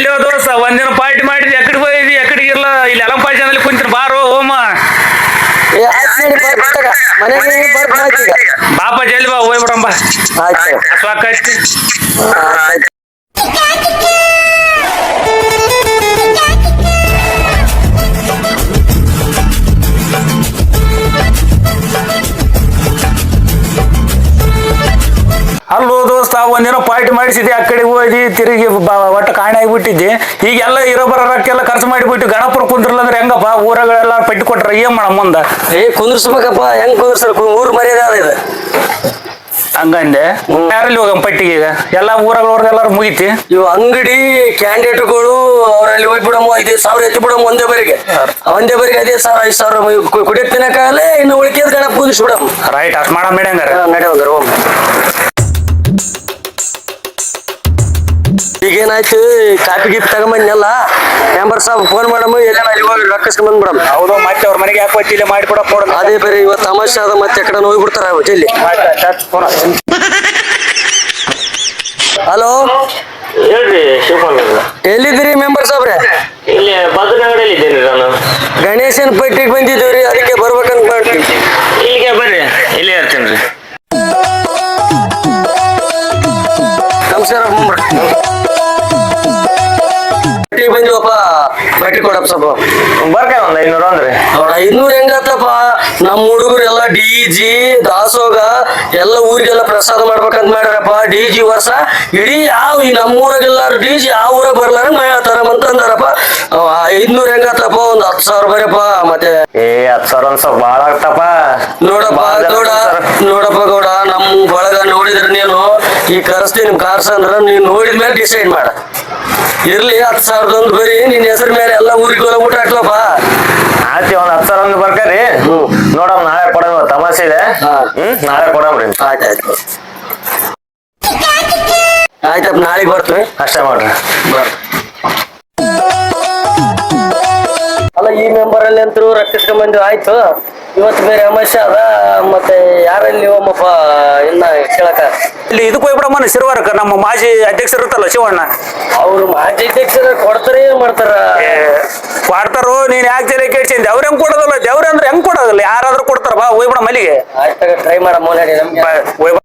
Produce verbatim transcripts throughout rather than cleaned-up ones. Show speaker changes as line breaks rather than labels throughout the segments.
ಎಲ್ಲಿ ದೋಸ್ತ ಒಂದಿನ ಪಾರ್ಟಿ ಮಾಡಿದ್ವಿ ಎಕಡೆ ಹೋಗಿದ್ವಿ ಎಕಡೆ ಇಲ್ಲ ಇಲ್ಲಿ ಅಲಂ ಪಾಯ್ಸನಲ್ಲಿ ಕುಂತಿನ ಬಾರೋ ಹೋಮ ಬಾಪ ಜಲ್ದಿ ಬಾ ಹೋಗ್ಬಿಡಂಬ ಸಾಕಾಯ್ತು. ಅಲ್ಲೋ ದೋಸ್ತ ಒಂದಿನ ಪಾರ್ಟಿ ಮಾಡಿಸಿದ್ದೆ ಆ ಕಡೆ ಹೋಗಿ ತಿರುಗಿ ಒಟ್ಟು ಕಾಣೆ ಆಗಿಬಿಟ್ಟಿದ್ದೆ. ಈಗೆಲ್ಲ ಇರೋ ಬರೋ ರೊಕ್ಕೆಲ್ಲ ಖರ್ಚು ಮಾಡಿಬಿಟ್ಟು ಗಣಪುರ ಕುಂದ್ರಲ್ಲ ಅಂದ್ರೆ ಹೆಂಗಪ್ಪ ಊರಗಳೆಲ್ಲ ಪಟ್ಟಿ ಕೊಟ್ರ ಏನ್ ಮಾಡ ಮುಂದ
ಏ ಕುಂದ್ರಸ್ಬೇಕಪ್ಪ ಹೆಂಗ್ ಕುಂದ್ರಸ್ರ ಊರ್ ಮರ್ಯಾದೆ ಇದೆ
ಹಂಗಂದೆ. ಯಾರಲ್ಲಿ ಹೋಗ ಪಟ್ಟಿಗೆ ಈಗ ಎಲ್ಲ ಊರಗಳವ್ರದೆಲ್ಲಾರು ಮುಗಿತಿ.
ಇವು ಅಂಗಡಿ ಕ್ಯಾಂಡಿಡೇಟ್ಗಳು ಅವರಲ್ಲಿ ಹೋಗ್ಬಿಡಮ್ಮ ಐದು ಸಾವಿರ ಎತ್ತಿ ಬಿಡಮ್ಮ ಒಂದೇ ಬರಿಗೆ ಒಂದೇ ಬರಿಗೆ ಐದೇ ಸಾವಿರ ಐದು ಸಾವಿರ ಕುಡಿಯಕ್ ತಿನ್ನಕಾಗಲೇ ಇನ್ನು ಉಳಿಕೆದ ಗಣಪ ಕುದಿಸ್ಬಿಡಮ್ಮ.
ರೈಟ್ ಅಷ್ಟು ಮಾಡ ಮೇಡ ಹಂಗಾರ
ನಡೆಯಂಗಾರ ಹೋಗ್. ಈಗೇನಾಯ್ತು ಕಾಪಿ ಗೀಪಿ ತಗೊಂಬಂದೆಲ್ಲ ಮೆಂಬರ್ ಸಾಬ್ ಫೋನ್ ಮಾಡಮ್ಮ ಎಲ್ಲ ಅಲ್ಲಿ ಹೋಗಿ ರೊಕ್ಕಸ್ಕೊಂಡ್ ಬಂದ್ಬಿಡಮ್.
ಹೌದು ಮತ್ತೆ ಅವ್ರ ಮನೆಗೆ ಹಾಕಿ ಇಲ್ಲಿ ಮಾಡಿಕೊಡಕ್ ನೋಡ.
ಅದೇ ಬೇರೆ ಇವತ್ತು ತಮಾಷೆ ಅದ ಮತ್ತೆ ಎಕಡೆ ಹೋಗ್ಬಿಡ್ತಾರ ಜಲ್ಲಿ. ಹಲೋ
ಹೇಳ್ರಿ ಶಿವಪಾಲ್
ಎಲ್ಲಿದ್ದೀರಿ ಮೆಂಬರ್ ಸಾಬ್ರೆ?
ಇಲ್ಲಿ ಭದ್ರನಗರಲ್ಲಿ ಇದ್ದೇನೆ ನಾನು.
ಗಣೇಶನ್ ಪಟ್ಟಿಗೆ ಬಂದಿದ್ದೀವ್ರಿ ಅದಕ್ಕೆ ಬರ್ಬೇಕಂತ ಮಾಡ್ತೀವಿ.
ಇಲ್ಲಿಗೆ ಬರ್ರಿ ಇಲ್ಲೇ ಇರ್ತೇನೆ ರೀ.
ನಮಸ್ಕಾರ ಪಟ್ಟಿಗೆ ಬಂದಿವಪ್ಪ ಪಟ್ಟಿ ಕೊಡಪ್ಪ ಸ್ವಲ್ಪ
ಬರ್ಕ ಒಂದ್ ಐನೂರು ಅಂದ್ರೆ
ಐನೂರು ಹೆಂಗತ್ತಪ್ಪ ನಮ್ಮ ಹುಡುಗರು ಎಲ್ಲ ಡಿ ಜಿ ದಾಸೋಗ ಎಲ್ಲ ಊರಿಗೆಲ್ಲ ಪ್ರಸಾದ ಮಾಡ್ಬೇಕಂತ ಮಾಡ್ಯಾರಪ್ಪ. ಡಿ ಜಿ ವರ್ಷ ಇಡೀ ಯಾವ ಈ ನಮ್ಮೂರಾಗೆಲ್ಲಾರು ಡಿ ಜಿ ಯಾವ ಊರಾಗ ಬರ್ಲಾರ ಮಾಡ್ತಾರಂತ ಅಂದಾರಪ್ಪ. ಐದ್ನೂರ್ ಹೆಂಗತ್ತಪ್ಪ ಒಂದ್ ಹತ್ತು ಸಾವಿರ ಬರಪ್ಪ. ಮತ್ತೆ
ಏ ಹತ್ತು ಸಾವಿರ ಒಂದ್ ಸ್ವಲ್ಪ ಬಾಳ ಆಗ್ತಪ್ಪ.
ನೋಡಪ್ಪ ಗೌಡ ನೋಡಪ್ಪ ಗೌಡ ನಮ್ ಬಳಗ ನೋಡಿದ್ರೆ ನೀನು ಈ ಕರೆಸ್ತೀನಿ ಕಾರ್ಸ್ ಅಂದ್ರ ನೀನ್ ನೋಡಿದ್ಮೇಲೆ ಡಿಸೈಡ್ ಮಾಡ. ಇರ್ಲಿ ಹತ್ತು ಸಾವಿರದೊಂದು ಬರೀ ನಿನ್ ಹೆಸರು ಮೇಲೆ ಎಲ್ಲ ಊರಿಗೆ ಊಟ ಹಾಕ್ಲಪ್ಪ.
ಆಯ್ತಿ ಒಂದ್ ಹತ್ತು ಸಾವಿರ ಒಂದು ಬರ್ಕರಿ ನೋಡಮ್ ನಾಳೆ ಕೊಡಮ್ ತಮಾಷೆ ಇದೆ. ಹ್ಮ್ ನಾಳೆ ಕೊಡಮ್ರಿ.
ಆಯ್ತಾಯ್ತು ಆಯ್ತಪ್ಪ ನಾಳೆಗೆ ಬರ್ತೀವಿ
ಅಷ್ಟೇ ಮಾಡ್ರಿ.
ಅಲ್ಲ ಈ ಮೆಂಬರ್ ಅಲ್ಲಿ ಅಂತೂ ರಕ್ಷಿಸ್ಕೊಂಡ್ ಬಂದಿವಿ ಆಯ್ತು. ಇವತ್ತು ಬೇರೆ ಸಮಸ್ಯೆ ಅದ ಮತ್ತೆ ಯಾರಲ್ಲಿ ಹೋಮಪ್ಪ ಇನ್ನ ಕೇಳಕ
ಇಲ್ಲಿ ಇದಕ್ಕೆ ಹೋಗ್ಬಿಡಮ್ಮ ಶಿರ್ವಾರಕ್ಕ ನಮ್ಮ ಮಾಜಿ ಅಧ್ಯಕ್ಷರು ಇರುತ್ತಲ್ಲ ಶಿವಣ್ಣ
ಅವ್ರು ಮಾಜಿ ಅಧ್ಯಕ್ಷರ ಕೊಡ್ತಾರ ಏನ್ ಮಾಡ್ತಾರ
ಕೊಡ್ತಾರೋ. ನೀನ್ ಯಾಕೆ ಜನ ಕೇಳ್ಸಿಂದ ಅವ್ರ ಹೆಂಗ್ ಕೊಡೋದಲ್ಲ ದೇವ್ರ ಅಂದ್ರೆ ಹೆಂಗ್ ಕೊಡೋದಿಲ್ಲ ಯಾರಾದ್ರೂ ಕೊಡ್ತಾರ ಬಾ ಹೋಗ್ಬಿಡ ಮಲ್ಲಿಗೆ.
ಆಯ್ತಾಗ ಟ್ರೈ ಮಾಡಮ್ಮ ನಡಿ ನಮ್ಗೆ
ಹೋಗ್ಬಿಡ.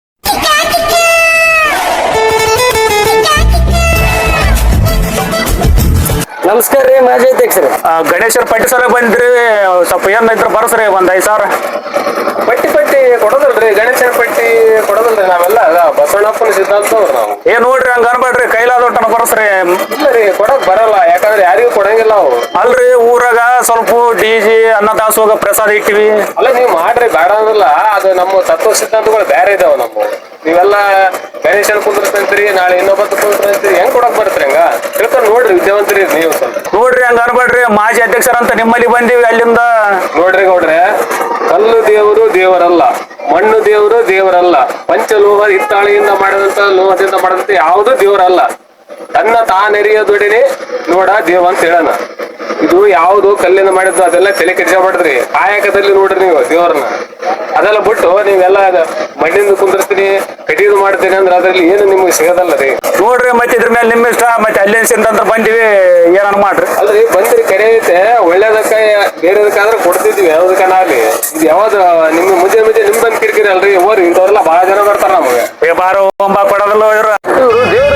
ನಮಸ್ಕಾರ ರೀ ಮಾಜಿ ಅಧ್ಯಕ್ಷರು.
ಗಣೇಶರ ಪಟ್ಟಿ ಸಲ ಬಂದ್ರಿ ಸ್ವಲ್ಪ ಏನ್ ಇದ್ರ ಬರ್ಸ್ರಿ ಒಂದ್ ಐದ್ ಸಾವಿರ.
ಪಟ್ಟಿ ಪಟ್ಟಿ ಕೊಡೋದಲ್ರಿ ಗಣೇಶನ ಪಟ್ಟಿ ಕೊಡೋದಲ್ರಿ ನಾವೆಲ್ಲ ಬಸವಣ್ಣಪ್ಪನ ಸಿದ್ಧಾಂತ ನಾವು.
ಏನ್ ನೋಡ್ರಿ ಹಂಗ ಅನ್ಬೇಡ್ರಿ ಕೈಲಾದೊಟ್ಟನ ಬರ್ಸ್ರಿ.
ಇಲ್ಲ ರೀ ಕೊಡಕ್ ಬರಲ್ಲ ಯಾಕಂದ್ರೆ ಯಾರಿಗೂ ಕೊಡಂಗಿಲ್ಲ ಅವು.
ಅಲ್ರಿ ಊರಾಗ ಸ್ವಲ್ಪ ಡಿ ಜಿ ಅನ್ನ ದಾಸೋಗ ಪ್ರಸಾದ ಇಟ್ಟಿವಿ.
ಅಲ್ಲ ನೀವ್ ಮಾಡ್ರಿ ಬೇಡ ಅಂದ್ರಲ್ಲ ಅದು ನಮ್ಮ ತತ್ವ ಸಿದ್ಧಾಂತಗಳು ಬೇರೆ ಇದಾವ ನಮ್ಮ. ನೀವೆಲ್ಲ ಗಣೇಶನ್ ಕುಂದ್ರಸ್ತಂತ್ರಿ ನಾಳೆ ಇನ್ನೊಬ್ಬತ್ತು ಕುಂದ್ರಸ್ತಂತ್ರಿ ಹೆಂಗ್ ಕೊಡಕ್ ಬರ್ತ್ರಿ ಹಂಗ ತಿಳ್ಕೊಂಡ್ ನೋಡ್ರಿ ವಿದ್ಯಾವಂತರಿ ನೀವು ಸ್ವಲ್ಪ.
ನೋಡ್ರಿ ಹಂಗ ಅನ್ಬೇಡ್ರಿ ಮಾಜಿ ಅಧ್ಯಕ್ಷರಂತ ನಿಮ್ಮಲ್ಲಿ ಬಂದಿವಿ ಅಲ್ಲಿಂದ.
ನೋಡ್ರಿ ಗೌಡ್ರೆ ಕಲ್ಲು ದೇವರು ದೇವರಲ್ಲ, ಮಣ್ಣು ದೇವರು ದೇವರಲ್ಲ, ಪಂಚಲೋಹ ಹಿತ್ತಾಳಿಯಿಂದ ಮಾಡಿದಂತ ಲೋಹದಿಂದ ಮಾಡಿದಂತ ಯಾವುದು ದೇವರಲ್ಲ. ತನ್ನ ತಾನೆರಿಯ ದುಡಿನಿ ನೋಡ ದೇವ ಅಂತ ಹೇಳೋಣ. ಇದು ಯಾವುದು ಕಲ್ಲಿಂದ ಮಾಡಿದ್ದು ಅದೆಲ್ಲ ತಲೆ ಕೆಡಿಸ್ಕೊಬಾರ್ದ್ರಿ. ಕಾಯಕದಲ್ಲಿ ನೋಡ್ರಿ ನೀವು ದೇವ್ರನ್ನ. ಅದೆಲ್ಲ ಬಿಟ್ಟು ನೀವೆಲ್ಲ ಮಣ್ಣಿಂದ ಕುಂದಿರ್ತೀನಿ ಕಟಿದು ಮಾಡ್ತೀನಿ ಅಂದ್ರೆ ಅದ್ರಲ್ಲಿ ಏನು ನಿಮ್ಗೆ ಸಿಗೋದಲ್ಲ ರೀ.
ನೋಡ್ರಿ ಮತ್ತೆ ಇದ್ರ ಮೇಲೆ ನಿಮ್ ಇಷ್ಟ. ಮತ್ತೆ ಅಲ್ಲಿಂದ ಬಂದಿವಿ ಏನನ್ ಮಾಡ್ರಿ.
ಅಲ್ರಿ ಬಂದ್ರಿ ಕರೆ ಐತೆ ಒಳ್ಳೇದಕ್ಕ ಬೇರೆದಕ್ಕಾದ್ರೆ ಕೊಡ್ತಿದ್ವಿ ಯಾವ್ದಕ್ಕನಾಗ್ಲಿ. ಇದು ಯಾವ್ದು ನಿಮ್ ಮುಂಜೆ ಮುಂಜೆ ನಿಮ್ ಬಂದ್ ಕಿರಿಕಿರಿ ಅಲ್ರಿ ಓರಿ ಇಂಥವ್ರೆಲ್ಲ ಬಹಳ ಜನ ಬರ್ತಾರ ನಮಗೆ.
ಏ ಬಾರೋ ಒಂಬ ಕೊಡೋದಲ್ಲ ಇವ್ರು ದೇವ್ರ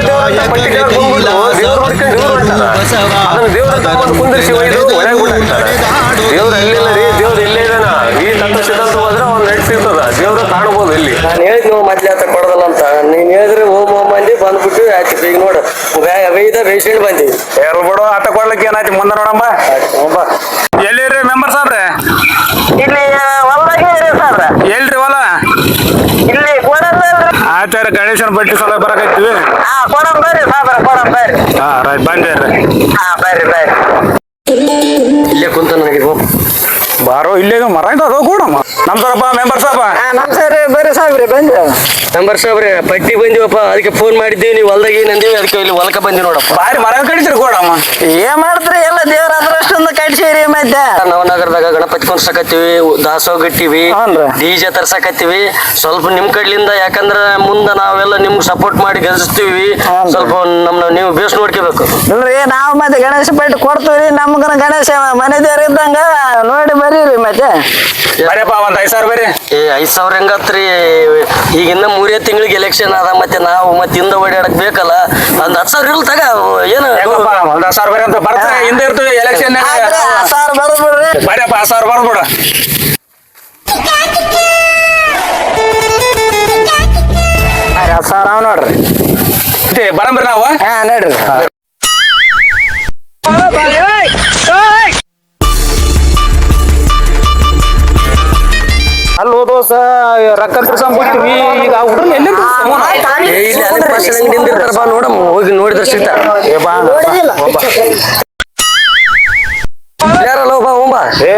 ದೇವ್ರ ಕುಂದಿರ್ಸಿ ಒಯ್ದು ಒಳಗೆ ದೇವ್ರ ಎಲ್ಲಿಲ್ಲ ರೀ. ದೇವ್ರ ಇಲ್ಲೇ ಇದಾನ. ಈ ತತ್ವ ಸಿದ್ಧಾಂತ ಹೋದ್ರೆ ಅವ್ನು ನಡೆಸಿರ್ತದ ದೇವ್ರ ಕಾಣಬಹುದು ಇಲ್ಲಿ.
ನಾನು ಹೇಳಿದ್ ನೀವು ಮೊದ್ಲು ಆತ ಕೊಡೋದಲ್ಲ ಅಂತ ನೀನ್ ಹೇಳಿದ್ರೆ ಓಮ್ ಓಮ್ ಮಂದಿ ಬಂದ್ಬಿಟ್ಟು ಆಯ್ತು. ಈಗ ನೋಡು ವೈದ ಬೇಸಿಂಡ್ ಬಂದಿವಿ
ಎಲ್ ಬಿಡು ಆತ ಕೊಡ್ಲಿಕ್ಕೆ ಏನಾಯ್ತು ಮುಂದೆ ನೋಡಮ್ಮ. ಎಲ್ಲಿರಿ ಮೆಂಬರ್ ಸಾಬ್ರೆ?
ಇಲ್ಲಿ ಹೊಲ್ದಾಗೆ ಸಾಬ್ರ
ಎಲ್ರಿ ಹೊಲ?
ಇಲ್ಲಿ
ಆಯ್ತಾರ ಗಣೇಶನ ಬಟ್ಟಿ ಸಲ ಬರಕೈತಿವಿ.
ಹಾ ಕೊಡಂ ಬರ್ರಿ ಸಾಬ್ರ ಕೊಡಂ ಬರ್ರಿ.
ಹಾ ರೈಟ್ ಬಂದೇರ್ರಿ.
ಹಾ ಬರ್ರಿ ಬರ್ರಿ ಇಲ್ಲೇ ಕುಂತ ನನಗೆ
ಬಾರೋ ಇಲ್ಲೇ ಮರ ಇದಾವ ಕೊಡಮ್ಮ. ನಮ್ಸರಪ್ಪ ಮೆಂಬರ್ ಸಾಬ.
ನಮಸ್ಕಾರ ಬರ್ರಿ ಸಾಬ್ರಿ ಬಂದ ಮೆಂಬರ್ ಸಾಬ್ರೆ ಪಟ್ಟಿ ಬಂದಿವಪ್ಪ ಅದಕ್ಕೆ ಫೋನ್ ಮಾಡಿದ್ದೀವಿ. ನೀವು ಹೊಲ್ದಾಗ ಏನಂದೀವಿ ಅದಕ್ಕೆ ಇಲ್ಲಿ ಹೊಲಕ ಬಂದಿ ನೋಡಪ್ಪ.
ಬಾರಿ ಮರ ಕಡಿತೀರಿ ಕೊಡಮ್ಮ.
ಏನ್ ಮಾಡ್ತೀರಿ ಎಲ್ಲ ದೇವ್ರ ಅದರಷ್ಟೊಂದು ಕಟ್ಸಿರಿ
ಮತ್ತೆ
ನವನಗರದಾಗ ಗಣಪತಿ ಕುಂದ್ರಸಕತ್ತೀವಿ ದಾಸೋಗ ಇಟ್ಟಿವಿ
ಹ್ಞೂನ್ರಿ.
ಡಿಜೆ ತರ್ಸಕತ್ತೀವಿ ಸ್ವಲ್ಪ ನಿಮ್ ಕಡ್ಲಿಂದ ಯಾಕಂದ್ರ ಮುಂದ ನಾವೆಲ್ಲ ನಿಮ್ಗೆ ಸಪೋರ್ಟ್ ಮಾಡಿ ಗೆಲ್ಸ್ತೀವಿ
ಹ್ಞೂನ್ರಿ.
ಸ್ವಲ್ಪ ನಮ್ನ ನೀವು ಬೇಸ್ ನೋಡ್ಕೋಬೇಕು
ಇಲ್ರಿ ನಾವು ಮತ್ತೆ ಗಣೇಶ ಪೇಟೆ ಕೊಡ್ತೀವಿ ನಮ್ಗನ ಗಣೇಶ ಮನೆ ದೇವ್ರ ಇದ್ದಂಗ ನೋಡಿ ಬರೀರಿ ಮತ್ತೆ
ಬರೀಪ್ಪ ಒಂದ್ ಐದ್ ಸಾವಿರ ಬರ್ರಿ.
ಏ ಐದ್ ಸಾವಿರ ಹೆಂಗತ್ರಿ ಈಗ ಇನ್ನ ಮೂರೇ ತಿಂಗಳಿಗೆ ಎಲೆಕ್ಷನ್ ಅದ ಮತ್ತೆ ನಾವು ಮತ್ತೆ ಹಿಂದ ಓಡಾಡಕ್ ಬೇಕಲ್ಲ ಒಂದ್ ಹತ್ತು ಸಾವಿರ ಇಲ್ ತಗ ಏನು
ಹೆಂಗಪ್ಪ ಒಂದ್ ಹತ್ತು ಸಾವಿರ ಬರ್ರಿ ಅಂತ ಬರ್ತಾರೆ ಹಿಂದೆ ಇರ್ತೀವಿ ಎಲೆಕ್ಷನ್
ಸಾರ್ ಬರ್ಬಿಡ್ರಿ
ಬರೀಪ್ಪ ಹತ್ತು ಸಾವಿರ ಬರ್ಬಿಡ
ಹತ್ತು ಸಾವಿರ ಅವ್ ನೋಡ್ರಿ
ಬರಂಬ್ರಿ ನಾವು
ಹಾ ನೋಡ್ರಿ
ಅಲ್ಲಿ ಹೋದೋಸ ರೊಕ್ಕ ತಿರ್ಸಂಗ್ ಬಿಡ್ತೀವಿ ಈಗ ಹುಡುಗ ಎಲ್ಲಿ
ಏ, ಇಲ್ಲಿ ಅಲೆ ಪಾಷಾಣ ಅಂಗಡಿ ನಿಂದಿರ್ತಾರ ಬಾ ನೋಡಮ್ ಹೋಗಿ ನೋಡಿದ್ರೆ ಸಿಗ್ತಾರ ಯಾರಲ್ಲ ಬಾ ಹೋಂಬ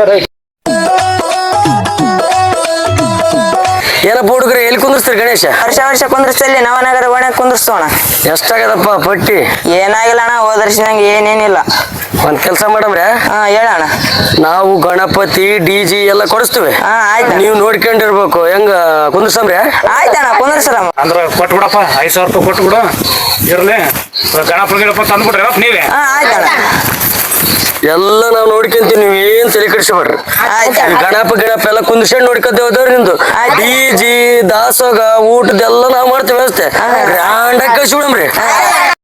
ಏನಪ್ಪ ಹುಡುಗ್ರೆ ಎಲ್ಲಿ ಕುಂದಿರ್ಸ್ತೀರಿ ಗಣೇಶ
ವರ್ಷ ವರ್ಷ ಕುಂದ್ರಸ್ತಲ್ಲಿ ನವನಗರ ಒಣ ಕುಂದ್ರಸ್ತೋಣ
ಎಷ್ಟಾಗದಪ್ಪ ಪಟ್ಟಿ
ಏನಾಗಿಲ್ಲ ಅಣ್ಣ ಹೋದ ವರ್ಷ ನಂಗೆ ಏನೇನಿಲ್ಲ
ಒಂದ್ ಕೆಲ್ಸ ಮಾಡಮ್ರೆ
ಹಾ ಹೇಳಣ್ಣ
ನಾವು ಗಣಪತಿ ಡಿ ಜಿ ಎಲ್ಲ ಕೊಡಿಸ್ತೀವಿ
ಹಾ ಆಯ್ತು
ನೀವು ನೋಡ್ಕೊಂಡಿರ್ಬೇಕು ಹೆಂಗ ಕುಂದಿರ್ಸಮ್ರೆ
ಆಯ್ತಣ್ಣ ಕುಂದ್ರಸರ
ಅಂದ್ರ ಕೊಟ್ಬಿಡಪ್ಪ ಐದ್ ಸಾವಿರ ರೂಪಾಯಿ ಕೊಟ್ಬಿಡು ಇರ್ಲಿ ಗಣಪ ಗಿಣಪ ತಂದ್ಬಿಡ್ರಿ ನೀವೇ
ಹಾ ಆಯ್ತಣ್ಣ
ಎಲ್ಲ ನಾವು ನೋಡ್ಕೊಂತೀವಿ ನೀವು ಏನ್ ತಲೆ ಕೆಡಿಸ್ಬೇಡ್ರಿ
ಆಯ್ತಣ್ಣ
ಗಣಪ ಗಿಣಪ ಎಲ್ಲ ಕುಂದಿಸ್ಕೊಂಡು ನೋಡ್ಕೊತ ಹೋದವ್ರಿ ನಿಂದು ಡಿ ಜಿ ದಾಸೋಗ ಊಟದೆಲ್ಲ ನಾವ್ ಮಾಡ್ತೀವಿ ವ್ಯವಸ್ಥೆ ಗ್ರ್ಯಾಂಡ್ ಆಗಿ ಕಳ್ಸಿ ಬಿಡಮ್ರಿ